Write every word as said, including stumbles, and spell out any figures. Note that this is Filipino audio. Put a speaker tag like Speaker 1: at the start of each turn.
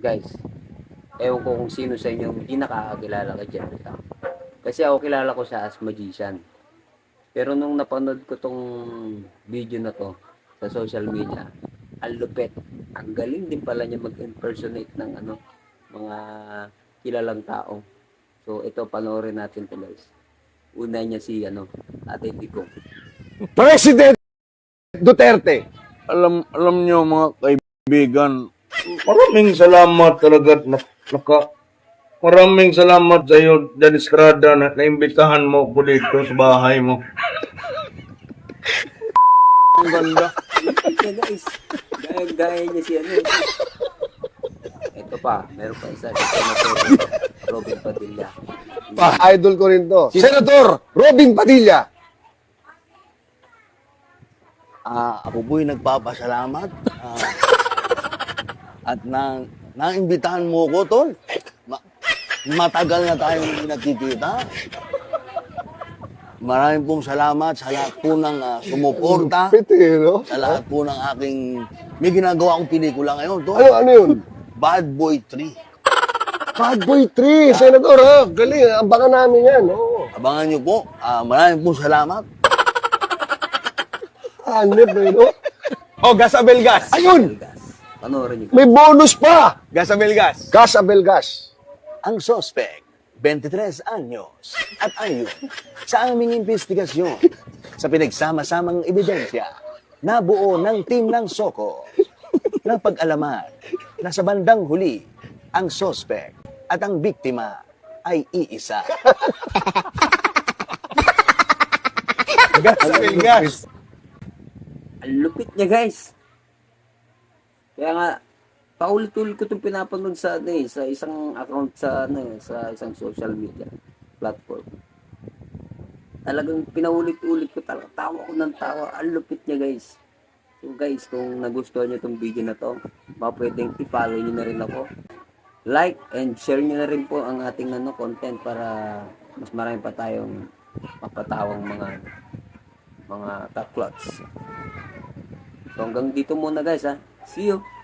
Speaker 1: Guys, ewan ko kung sino sa inyo hindi nakakakilala kay Jeffrey Tam. Kasi ako kilala ko siya as magician. Pero nung napanood ko tong video na to sa social media, ang lupet. Ang galing din pala niya mag-impersonate ng ano, mga kilalang tao. So ito, panoorin natin to guys. Una niya si ano, Ate Digong.
Speaker 2: President Duterte.
Speaker 3: Alam alam nyo mga kaibigan, maraming salamat talaga na, naka maraming salamat sa iyo Dan Estrada na naimbitahan mo ko dito sa bahay mo. Ang ganda.
Speaker 1: Ito guys, gaya-gaya niya si ano. Ito pa, meron pa isa si Senator Robin Padilla.
Speaker 2: Pa, idol ko rin to. Senator Robin Padilla.
Speaker 4: Ah, ako po'y nagpapasalamat. Ah, at nang naimbitahan mo ko, tol. Ma- matagal na tayong hindi nagkikita. Maraming pong salamat sa lahat po ng ah, sumuporta.
Speaker 2: Piti, no?
Speaker 4: Sa lahat po ng aking... May ginagawa akong pelikula ngayon, tol.
Speaker 2: Ano, ano yun?
Speaker 4: Bad Boy three.
Speaker 2: Bad Boy three, Senator, ha? Galing, abangan namin yan, oo.
Speaker 4: Abangan niyo po. Ah, maraming pong salamat.
Speaker 2: Hanip, eh, no?
Speaker 5: Oh, gas Abel gas.
Speaker 2: Ayun!
Speaker 1: Belgas. Panoorin niyo.
Speaker 2: May bonus pa!
Speaker 5: Gas Abel gas.
Speaker 2: Gas Abel Gas.
Speaker 4: Ang suspect, twenty-tres anyos, at ayon sa aming investigasyon sa pinagsama-samang ebidensya, nabuo ng team ng Soko na pag-alaman na sa bandang huli, ang suspect at ang biktima ay iisa.
Speaker 5: Gas Abel gas.
Speaker 1: Ang lupit niya guys. Kaya nga, paulit-ulit ko itong pinapanood sa, ano, eh, sa isang account sa, ano, eh, sa isang social media platform. Talagang pinaulit-ulit ko talaga. Tawa ko ng tawa. Ang lupit niya guys. So guys, kung nagustuhan niyo itong video na to, baka pwedeng i-follow niyo na rin ako. Like and share niyo na rin po ang ating ano, content para mas marami pa tayong mapatawang mga mga taklots. So hanggang dito muna guys ha. See you!